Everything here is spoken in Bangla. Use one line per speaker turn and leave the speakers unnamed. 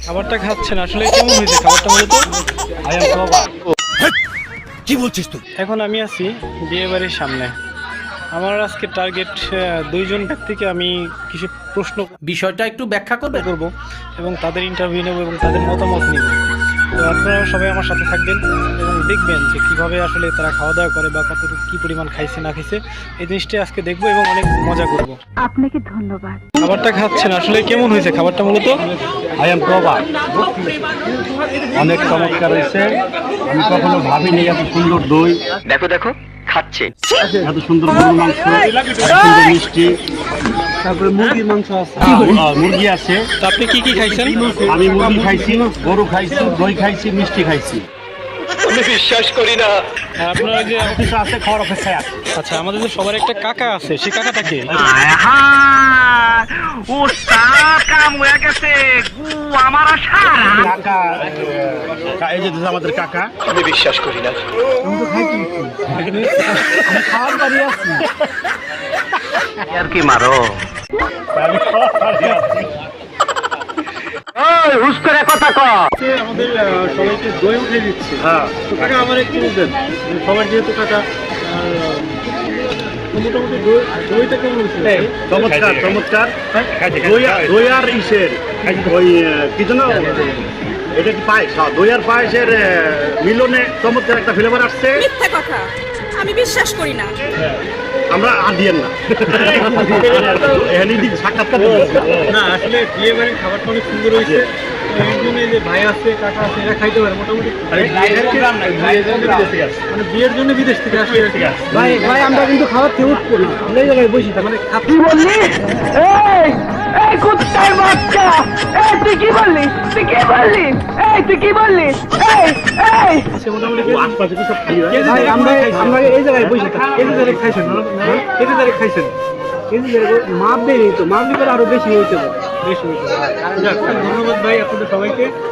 খাবারটা খাচ্ছেন আসলে কেমন হয়েছে খাবারটা মূলত?
কি বলছিস তুই?
এখন আমি আছি বিয়ে বাড়ির সামনে। আমার আজকে টার্গেট দুইজন ব্যক্তিকে আমি কিছু প্রশ্ন
বিষয়টা একটু ব্যাখ্যা করবে।
করব এবং তাদের ইন্টারভিউ নেব এবং তাদের মতামত নিব। তো আপনারা সবাই আমার সাথে থাকবেন এবং দেখবেন যে কীভাবে আসলে তারা খাওয়া দাওয়া করে বা কতটুকু কী পরিমাণ খাইছে না খাইছে এই জিনিসটা আজকে দেখবো এবং অনেক মজা করব।
আপনাকে ধন্যবাদ।
খাবারটা খাচ্ছেন আসলে কেমন হয়েছে খাবারটা মূলত?
অনেক চমৎকার হয়েছে। আমি কখনো ভাবিনি এত সুন্দর দই,
দেখো দেখো খাচ্ছে।
এত সুন্দর গরুর মাংস, এত সুন্দর মিষ্টি, তারপরে মুরগির মাংস আছে, মুরগি আছে।
তো আপনি কি কি খাইছেন?
আমি মুরগি খাইছি, গরু খাইছি, দই খাইছি, মিষ্টি খাইছি।
আমি বিশ্বাস করি না।
আর আপনারা যে
অফিসে আছে, খাওয়ার অপেক্ষায় আছে।
আচ্ছা আমাদের যে সবার একটা কাকা আছে সেই কাকাটা কে?
ও কাম হয়ে গেছে গু আমার আশা।
কাকা, এই যে আমাদের কাকা।
আমি বিশ্বাস করি না।
খাওয়ার বাড়ি আছি।
আর কি মারো হুস করে কথা ক।
আমাদের সবাইকে দই উঠে দিচ্ছে।
হ্যাঁ,
তো কাকা আমার একটু বলবেন সবার যেহেতু কাকা মোটামুটি দইটা কেমন হয়েছে?
চমৎকার চমৎকার। দই আর ইসের ওই কি যেন এটা কি পায়েস, দই আর পায়েসের মিলনে চমৎকার একটা ফ্লেভার আসছে।
মিথ্যা কথা, আমি বিশ্বাস করি না।
আমরা আর দিয়েন না এখানে সাক্ষাৎকার
না আসলে বিয়ে বাড়ির খাবারটা অনেক সুন্দর হয়েছে। এই জন্য যে ভাই আছে কাকা আছে এরা খাইতে পারে মোটামুটি মানে বিয়ের জন্য বিদেশ থেকে আসে।
ভাই ভাই আমরা কিন্তু খাবার খেয়ে উঠবো না, আমরা এই জায়গায় বসি মানে
কি বললি? এই কুত্তার বাচ্চা, তুই কি বললি? তুই কি বললি? তুই কি বললি?
মোটামুটি
আশপাশে কি সব খাই
ভাই আমরা এই জায়গায় বসে কেজি তারিখ খাইছেন কেজি তারিখ খাইছেন মাপ দেয়নি তো মাপ দিলে আরো বেশি হইতে পারে বেশি হইতে পারে। ধন্যবাদ ভাই আপনাদের সবাইকে।